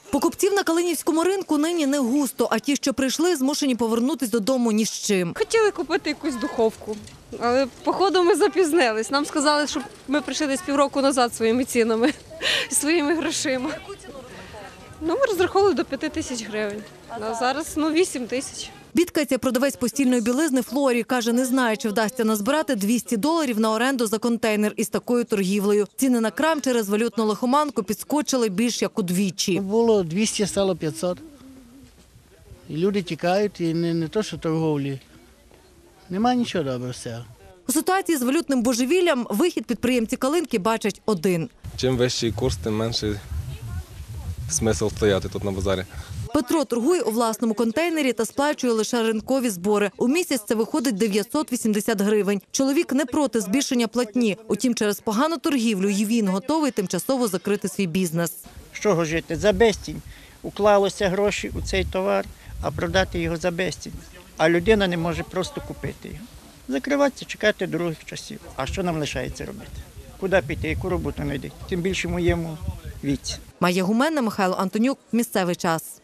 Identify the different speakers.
Speaker 1: Покупців на Калинівському ринку нині не густо, а ті, що прийшли, змушені повернутися додому ні з чим.
Speaker 2: Хотіли купити якусь духовку, але походу ми запізнились. Нам сказали, що ми прийшли десь півроку назад своїми цінами, своїми грошима. Ми розраховували до 5 тисяч гривень, а зараз 8 тисяч.
Speaker 1: Бідкається продавець постільної білизни Флорі. Каже, не знає, чи вдасться назбирати $200 на оренду за контейнер із такою торгівлею. Ціни на крам через валютну лихоманку підскочили більш як удвічі.
Speaker 3: Було 200, стало 500. І люди тікають, і не то, що торговлі. Нема нічого доброго з цього.
Speaker 1: У ситуації з валютним божевіллям вихід підприємці Калинки бачать один.
Speaker 4: Чим вищий курс, тим менший смисл стояти тут на базарі.
Speaker 1: Петро торгує у власному контейнері та сплачує лише ринкові збори. У місяць це виходить 980 гривень. Чоловік не проти збільшення платні. Утім, через погану торгівлю і він готовий тимчасово закрити свій бізнес.
Speaker 5: З чого жити? За безцінь. Уклалося гроші у цей товар, а продати його за безцінь. А людина не може просто купити його. Закриватися, чекати других часів. А що нам лишається робити? Куди піти, яку роботу знайти? Тим більше в моєму віці.
Speaker 1: Майя Гуменна, Михайло Антонюк. Місцевий час.